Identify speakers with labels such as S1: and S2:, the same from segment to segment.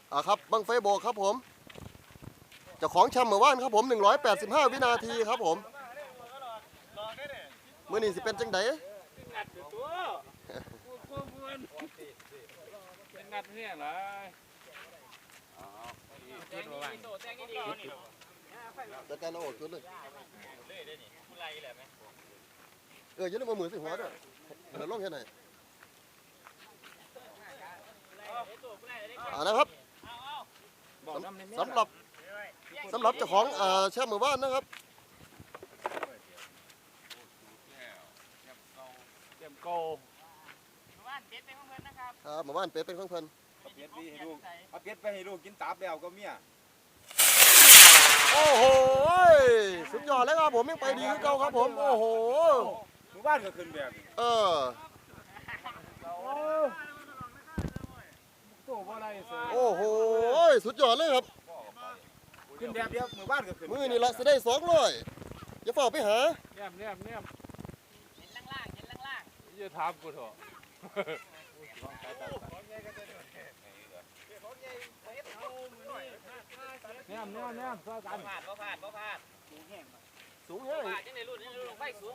S1: ครับบังไฟโบกครับผมเจ้าของแชมป์เมื่อวานครับผม185 วินาทีครับผมมื้อนี้สิเป็นจังได
S2: งัดเนี่ยเหรอ
S1: จัดการเอาออกชุดเลยอย่าลืมเอามือใส่หัวด้วยเดี๋ยวลงแค่ไหนนะครับสำหรับเจ้าของแชมป์เมื่อวานนะครับ
S2: เตรียมโก
S1: เมื่อวานเป็ดเป็นของเพิ่น
S3: เอาเป็ดไปให้ลูกเอาเป็ดไปให้ลูกกินตับแล้วก็เมีย
S1: โอ้โหสุดยอดเลยครับผมยังไปดีคือเก่าครับผมโอ้โห
S3: หมู่บ้านก็ขึ้นแบบ
S1: โอ้โหสุดยอดเลยครับ
S3: ขึ้นแบบเดียวหมู่บ้านก็ขึ้น
S1: มือนี่ละจะได้200อย่าเฝ้าไปหา
S2: เนี่ยเห็นล่างอย่าถามกูเถอะเนี่ยซ้อนกัน
S4: บ่พลาด
S1: สูงแห้ง
S4: จังได้รุ่นไฟสูง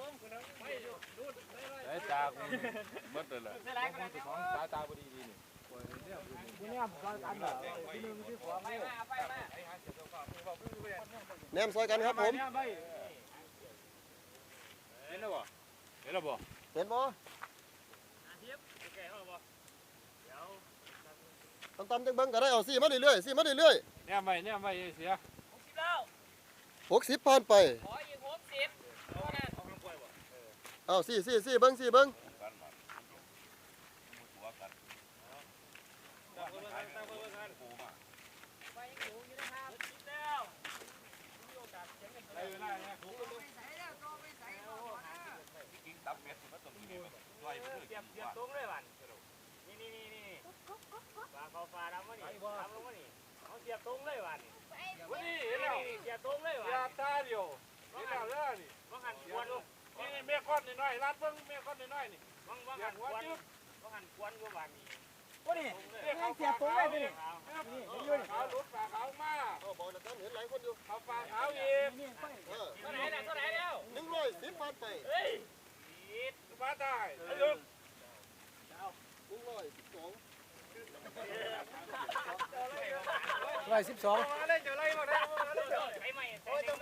S2: ได้จากหมดเลยแหละของตาพอดีนี่เนี่ยซ้อนกันเหรอที่หนึ่งที่สอง
S4: ไฟมา
S1: แนมซอยกันครับผม
S2: เห็นแล้วบ่เห็นบ่
S1: ตำจังเบิ้งก็ได้เอาซี่มาเรื่อย
S2: เนี่ยไม่เสีย
S1: 60ผ่านไป
S4: ขออีก60
S1: เอาซี่เบิ้ง
S4: ตรงเลยวันนี่ฟ้าดำวะนี่ดำลงวะนี่เขาเสียบตรงเลยวัน
S2: นี่เห็นแล้ว
S4: เสียบตรงเลยวัน
S2: ยาตาเดียวเห็นแล้วนี่
S4: ว่าหันควน
S2: นี่เมียก้อนน้อยรัดเบิ้งเมียก้อนน้อยนี่
S4: ว่าหันควนอยู่วันนี้
S2: ว่านี่เสียบตรงเลยนี่ยืนขาวลุดปากขาวมา
S1: บอกนะท่านเห็นหลายคนอยู่
S2: เอาปากขาวอีก
S4: เท่าไหร่แล้ว
S1: 110ผ่านไป
S4: เฮ้ย
S2: มาได้
S1: 112